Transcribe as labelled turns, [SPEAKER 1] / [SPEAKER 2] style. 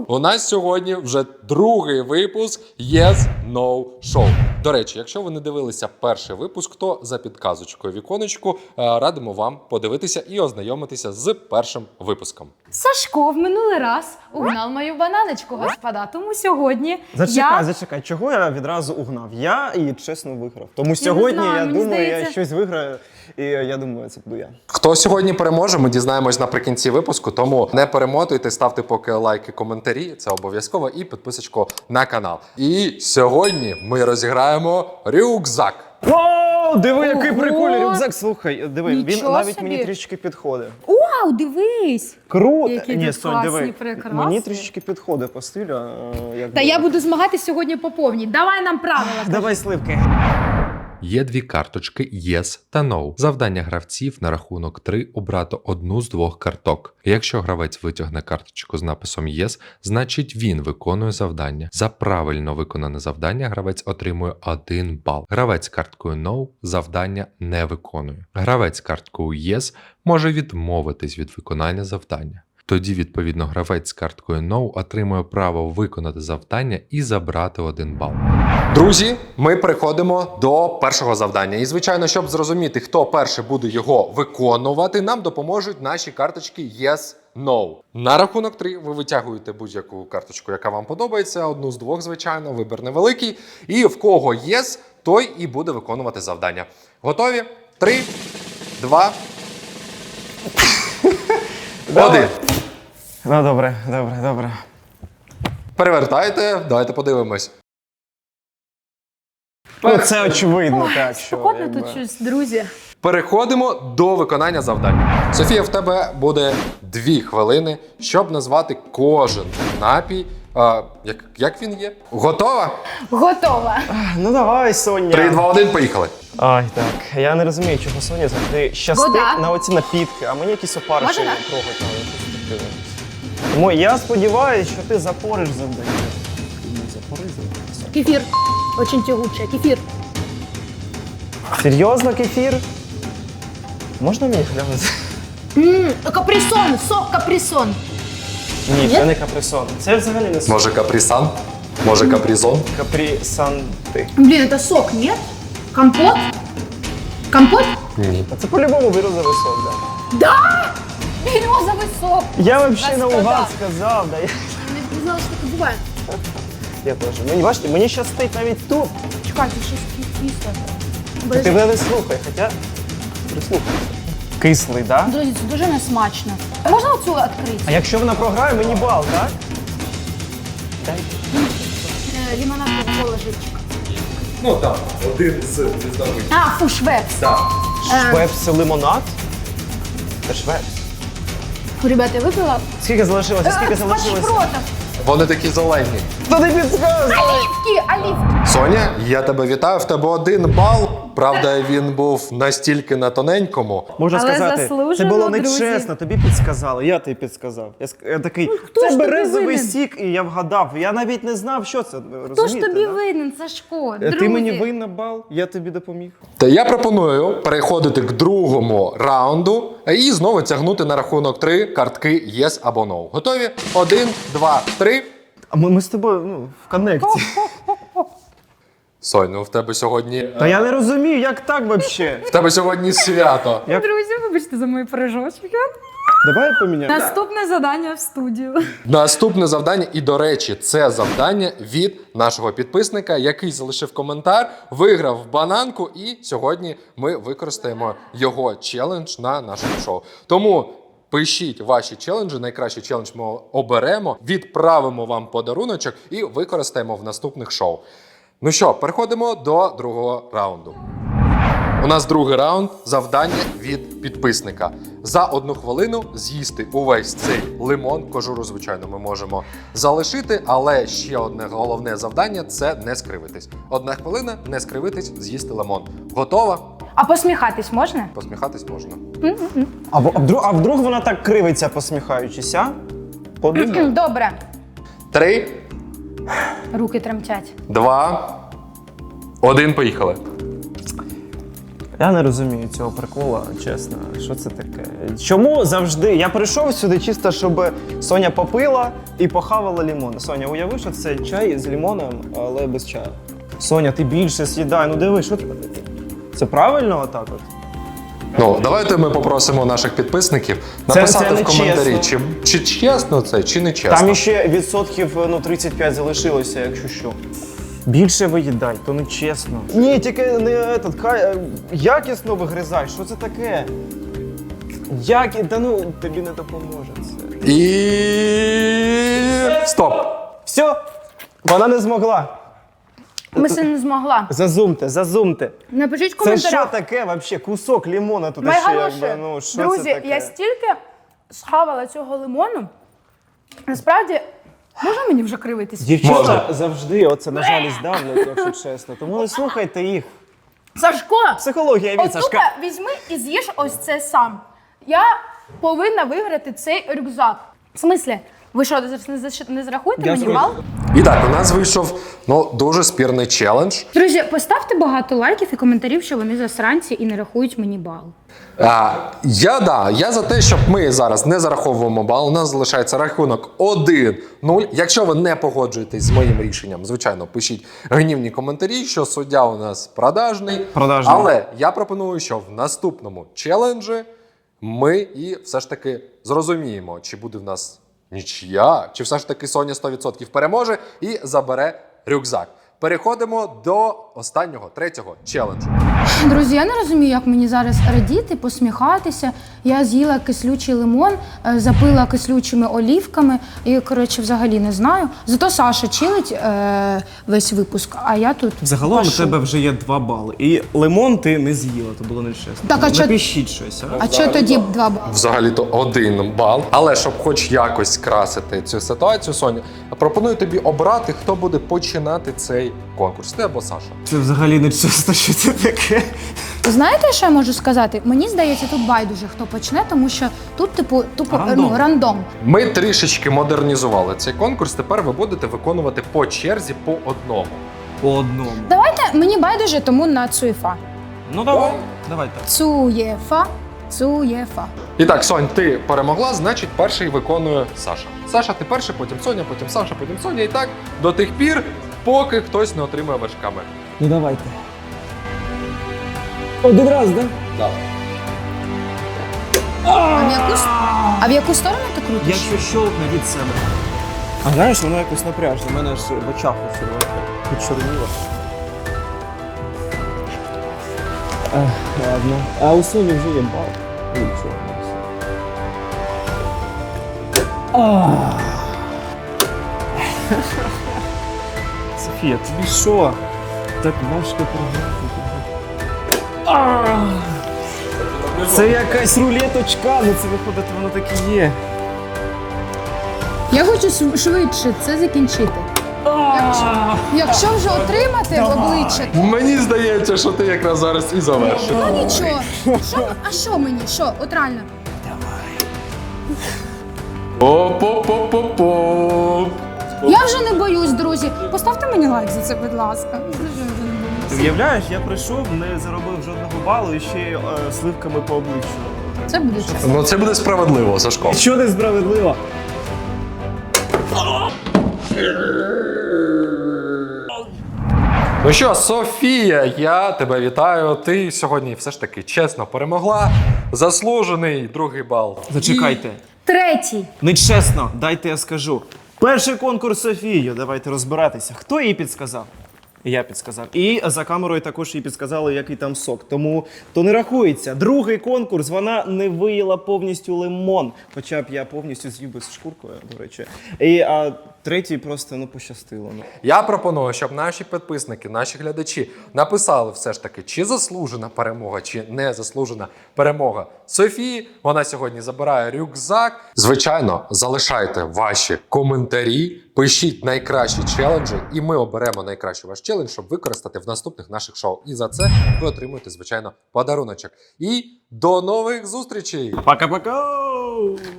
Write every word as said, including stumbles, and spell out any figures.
[SPEAKER 1] У нас сьогодні вже другий випуск Yes No Show. До речі, якщо ви не дивилися перший випуск, то за підказочкою віконечку радимо вам подивитися і ознайомитися з першим випуском.
[SPEAKER 2] Сашко в минулий раз угнав мою бананочку, господа, тому сьогодні
[SPEAKER 3] Зачекай,
[SPEAKER 2] я...
[SPEAKER 3] зачекай, чого я відразу угнав? Я і чесно виграв. Тому сьогодні,
[SPEAKER 2] знаю,
[SPEAKER 3] я
[SPEAKER 2] мені
[SPEAKER 3] думаю,
[SPEAKER 2] здається-
[SPEAKER 3] я щось виграю, і я думаю, це буду я.
[SPEAKER 1] Хто сьогодні переможе, ми дізнаємось наприкінці випуску, тому не перемотуйте, ставте поки лайки, коментарі, це обов'язково, і підписочку на канал. І сьогодні ми розіграємо рюкзак.
[SPEAKER 3] Вау, диви, який
[SPEAKER 2] Ого!
[SPEAKER 3] прикольний рюкзак, слухай, диви, він
[SPEAKER 2] Нічого
[SPEAKER 3] навіть
[SPEAKER 2] собі.
[SPEAKER 3] мені трішечки підходить.
[SPEAKER 2] Вау, дивись!
[SPEAKER 3] Круто!
[SPEAKER 2] Які
[SPEAKER 3] Ні,
[SPEAKER 2] тут
[SPEAKER 3] Сонь,
[SPEAKER 2] класні,
[SPEAKER 3] диви,
[SPEAKER 2] прекрасні.
[SPEAKER 3] мені трішечки підходить по стилю. е, Як
[SPEAKER 2] Та я буду змагатись сьогодні по повній. Давай нам правила.
[SPEAKER 3] Давай сливки.
[SPEAKER 1] Є дві карточки Yes та No. Завдання гравців на рахунок три обрати одну з двох карток. Якщо гравець витягне карточку з написом Yes, значить він виконує завдання. За правильно виконане завдання гравець отримує один бал. Гравець карткою No завдання не виконує. Гравець карткою Yes може відмовитись від виконання завдання. Тоді, відповідно, гравець з карткою No отримує право виконати завдання і забрати один бал. Друзі, ми переходимо до першого завдання. І, звичайно, щоб зрозуміти, хто перший буде його виконувати, нам допоможуть наші карточки Yes, No. На рахунок три ви витягуєте будь-яку карточку, яка вам подобається, одну з двох, звичайно, вибір невеликий. І в кого Yes, той і буде виконувати завдання. Готові? Три, два, один.
[SPEAKER 3] Ну добре, добре, добре.
[SPEAKER 1] Перевертайте, давайте подивимось.
[SPEAKER 3] Ну це очевидно, так, що...
[SPEAKER 2] Спокійно
[SPEAKER 3] якби.
[SPEAKER 2] тут щось, друзі.
[SPEAKER 1] Переходимо до виконання завдання. Софія, в тебе буде дві хвилини, щоб назвати кожен напій. А, як, як він є? Готова?
[SPEAKER 2] Готова.
[SPEAKER 3] Ну давай, Соня.
[SPEAKER 1] Три, два, один, поїхали.
[SPEAKER 3] Ай, так. Я не розумію, чого Соня завжди щастить
[SPEAKER 2] Вода.
[SPEAKER 3] на оці напітки, а мені якісь опариші
[SPEAKER 2] Можна?
[SPEAKER 3] трогають на якусь таку. Тому я сподіваюся, що ти запориш завдання. Не запори завдання.
[SPEAKER 2] Кефір. Очень тягуче. Кефір.
[SPEAKER 3] Серйозно, кефір? Можна мені глянути?
[SPEAKER 2] Ммм, каприсон. Сок каприсон.
[SPEAKER 3] Ні,
[SPEAKER 2] Ні?
[SPEAKER 3] це не каприсон. Це взагалі не сок.
[SPEAKER 1] Може капрісан? Може капрізон?
[SPEAKER 3] Капрісанти.
[SPEAKER 2] Блин, это сок, нет? Компот? Компот?
[SPEAKER 1] Ні.
[SPEAKER 3] А це по-любому березовий сок, да.
[SPEAKER 2] Да! Березовый сок.
[SPEAKER 3] Я взагалі
[SPEAKER 2] Господа.
[SPEAKER 3] наугад сказав, да. Я,
[SPEAKER 2] Не знала, що таке буває.
[SPEAKER 3] я теж. Мені, бачите, мені щастить навіть тут.
[SPEAKER 2] Чекайте, щось кисле.
[SPEAKER 3] Ти мене не слухай, хоча прислухайся. Кислий, да?
[SPEAKER 2] Друзі, це дуже несмачно. Можна оцю відкрити?
[SPEAKER 3] А якщо вона програє, мені бал, так? Дай.
[SPEAKER 2] Е, Лимонад кока-кола живчик.
[SPEAKER 1] Ну так, один з різновидів.
[SPEAKER 2] А, фу, швепс.
[SPEAKER 1] Так.
[SPEAKER 3] Швепс це лимонад? Це швепс.
[SPEAKER 2] Фу, ребята, я випила.
[SPEAKER 3] Скільки залишилося? Скільки
[SPEAKER 2] Е,
[SPEAKER 3] залишилося?
[SPEAKER 2] пашпротов.
[SPEAKER 1] Вони такі зелені.
[SPEAKER 3] Та не підказуй!
[SPEAKER 2] Оливки, оливки.
[SPEAKER 1] Соня, я тебе вітаю, в тебе один бал. Правда, він був настільки на тоненькому.
[SPEAKER 3] Можна
[SPEAKER 2] Але
[SPEAKER 3] сказати, це
[SPEAKER 2] заслужено,
[SPEAKER 3] було
[SPEAKER 2] друзі.
[SPEAKER 3] нечесно, тобі підсказали, я тобі підсказав. Я, ск- я такий,
[SPEAKER 2] хто ж
[SPEAKER 3] це
[SPEAKER 2] тобі
[SPEAKER 3] березовий
[SPEAKER 2] винен?
[SPEAKER 3] сік, і я вгадав. Я навіть не знав, що це, розумієте?
[SPEAKER 2] Хто ж тобі
[SPEAKER 3] да?
[SPEAKER 2] винен, Сашко?
[SPEAKER 3] Е,
[SPEAKER 2] Друзі.
[SPEAKER 3] Ти мені винна бал, я тобі допоміг.
[SPEAKER 1] Та я пропоную переходити к другому раунду і знову тягнути на рахунок три картки Yes або No. Готові? Один, два, три.
[SPEAKER 3] А ми, ми з тобою ну, в коннекті.
[SPEAKER 1] Сонь, ну в тебе сьогодні.
[SPEAKER 3] Та я не розумію, як так взагалі?
[SPEAKER 1] В тебе сьогодні свято.
[SPEAKER 3] Як-
[SPEAKER 2] Друзі, вибачте за мої пережочки.
[SPEAKER 3] Давай поміняємо.
[SPEAKER 2] Наступне завдання в студію.
[SPEAKER 1] Наступне завдання, і до речі, це завдання від нашого підписника, який залишив коментар, виграв бананку, і сьогодні ми використаємо його челендж на нашому шоу. Тому пишіть ваші челенджі, найкращий челендж ми оберемо, відправимо вам подаруночок і використаємо в наступних шоу. Ну що, переходимо до другого раунду. У нас другий раунд – завдання від підписника. За одну хвилину з'їсти увесь цей лимон. Кожуру, звичайно, ми можемо залишити, але ще одне головне завдання – це не скривитись. Одна хвилина – не скривитись, з'їсти лимон. Готова?
[SPEAKER 2] А посміхатись можна?
[SPEAKER 1] Посміхатись можна.
[SPEAKER 3] А, в- а, вдруг, а вдруг вона так кривиться, посміхаючись, а? Подумай.
[SPEAKER 2] Добре.
[SPEAKER 1] Три,
[SPEAKER 2] Руки тремтять.
[SPEAKER 1] два, один, поїхали.
[SPEAKER 3] Я не розумію цього прикола, чесно. Що це таке? Чому завжди? Я прийшов сюди чисто, щоб Соня попила і похавала лімон. Соня, уяви, що це чай з лімоном, але без чаю. Соня, ти більше з'їдай. Ну диви, що це? Це правильно отак от?
[SPEAKER 1] Ну, давайте ми попросимо наших підписників
[SPEAKER 3] Це-
[SPEAKER 1] написати
[SPEAKER 3] це не
[SPEAKER 1] в коментарі,
[SPEAKER 3] чесно.
[SPEAKER 1] чи, чи чесно це, чи не чесно.
[SPEAKER 3] Там іще відсотків ну, тридцять п'ять залишилося, якщо що. Більше виїдай, то не чесно. Ні, тільки не этот, хай, е, якісно вигризай, що це таке? Як, та ну, тобі не допоможе це.
[SPEAKER 1] І... Стоп!
[SPEAKER 3] Все, вона не змогла.
[SPEAKER 2] Миси не змогла.
[SPEAKER 3] Зазумте, зазумте.
[SPEAKER 2] Напишіть в
[SPEAKER 3] Це
[SPEAKER 2] коментарях.
[SPEAKER 3] що таке взагалі? Кусок лимона тут ще
[SPEAKER 2] Найголовніше,
[SPEAKER 3] якби, ну що
[SPEAKER 2] друзі,
[SPEAKER 3] це таке?
[SPEAKER 2] я стільки схавала цього лимону. Насправді, можна мені вже кривитись?
[SPEAKER 3] Дівчата
[SPEAKER 1] Можна.
[SPEAKER 3] завжди оце, на жаль, здавлять, якщо чесно. Тому не слухайте їх.
[SPEAKER 2] Сашко,
[SPEAKER 3] Психологія від
[SPEAKER 2] отут
[SPEAKER 3] Сашка.
[SPEAKER 2] візьми і з'їж ось це сам. Я повинна виграти цей рюкзак. В смислі? Ви що, не заш- не зрахуєте
[SPEAKER 3] Я
[SPEAKER 2] мені
[SPEAKER 3] зрозумів.
[SPEAKER 2] бал?
[SPEAKER 1] І так, у нас вийшов ну, дуже спірний челендж.
[SPEAKER 2] Друзі, поставте багато лайків і коментарів, що вони засранці і не рахують мені бал.
[SPEAKER 1] А, я да, я за те, щоб ми зараз не зараховуємо бал. У нас залишається рахунок один нуль. Якщо ви не погоджуєтесь з моїм рішенням, звичайно, пишіть гнівні коментарі, що суддя у нас продажний.
[SPEAKER 3] Продажний.
[SPEAKER 1] Але я пропоную, що в наступному челенджі ми і все ж таки зрозуміємо, чи буде в нас нічия, чи все ж таки Соня сто відсотків переможе і забере рюкзак. Переходимо до останнього, третього челенджу.
[SPEAKER 2] Друзі, я не розумію, як мені зараз радіти, посміхатися. Я з'їла кислючий лимон, е, запила кислючими олівками і, коротше, взагалі не знаю. Зато Саша чилить е, весь випуск, а я тут
[SPEAKER 3] Загалом у
[SPEAKER 2] пашу.
[SPEAKER 3] тебе вже є два бали. І лимон ти не з'їла, то було нечесно.
[SPEAKER 2] Так, а чо-
[SPEAKER 3] Напишіть щось, а?
[SPEAKER 2] А чого тоді б два бали?
[SPEAKER 1] Взагалі-то один бал. Але щоб хоч якось красити цю ситуацію, Соня, пропоную тобі обрати, хто буде починати цей конкурс. Ти або Саша.
[SPEAKER 3] Це взагалі не чесно, що це таке.
[SPEAKER 2] Знаєте, що я можу сказати? Мені здається, тут байдуже, хто почне, тому що тут, типу, тупо
[SPEAKER 3] Рандом.
[SPEAKER 2] ну, рандом.
[SPEAKER 1] Ми трішечки модернізували цей конкурс. Тепер ви будете виконувати по черзі по одному.
[SPEAKER 3] По одному.
[SPEAKER 2] Давайте, мені байдуже, тому на цуєфа.
[SPEAKER 3] Ну давай, давай так.
[SPEAKER 2] Цуєфа, цуєфа.
[SPEAKER 1] І так, Сонь, ти перемогла, значить, перший виконує Саша. Саша, ти перший, потім Соня, потім Саша, потім Соня. І так до тих пір, поки хтось не отримує вершками.
[SPEAKER 3] Ну давайте. Один раз, да?
[SPEAKER 1] Да.
[SPEAKER 2] А в яку, с- а в яку сторону ти крутиш?
[SPEAKER 3] Якщо щолкне від себе. А знаєш, воно якось напряжно. У мене ж в очах ось почорніло. Ладно. А у Соні вже є бал. Нічого. Софія, тобі що? Так важко програти. Це якась рулеточка, ну це виходить, воно так і є.
[SPEAKER 2] Я хочу шв- швидше це закінчити. Якщо, якщо вже отримати в обличчя, то
[SPEAKER 1] Мені здається, що ти якраз зараз і завершиш.
[SPEAKER 2] ну нічого. Що, а що мені? Що? От реально.
[SPEAKER 1] Оп-оп-оп-оп-оп.
[SPEAKER 2] Я вже не боюсь, друзі. Поставте мені лайк за це, будь ласка. Я вже не
[SPEAKER 3] Ти
[SPEAKER 2] боюсь.
[SPEAKER 3] уявляєш, я прийшов, не заробив жодного балу і ще й е, сливками по обличчю.
[SPEAKER 2] Це буде чесно.
[SPEAKER 1] Ну це буде справедливо, Сашко.
[SPEAKER 3] Що несправедливо?
[SPEAKER 1] Ну що, Софія, я тебе вітаю. Ти сьогодні все ж таки чесно перемогла. Заслужений другий бал.
[SPEAKER 3] Зачекайте.
[SPEAKER 2] Третій.
[SPEAKER 3] Нечесно, дайте я скажу. Перший конкурс Софію, давайте розбиратися. Хто їй підсказав? Я підсказав. І за камерою також їй підсказали, який там сок. Тому то не рахується. Другий конкурс, вона не виїла повністю лимон. Хоча б я повністю з'їв би з шкуркою, до речі. І а третій просто ну пощастило. Ну.
[SPEAKER 1] Я пропоную, щоб наші підписники, наші глядачі написали все ж таки, чи заслужена перемога, чи не заслужена перемога Софії. Вона сьогодні забирає рюкзак. Звичайно, залишайте ваші коментарі, пишіть найкращі челенджі, і ми оберемо найкращий ваш челендж, щоб використати в наступних наших шоу. І за це ви отримуєте, звичайно, подаруночок. І до нових зустрічей!
[SPEAKER 3] Пока-пока!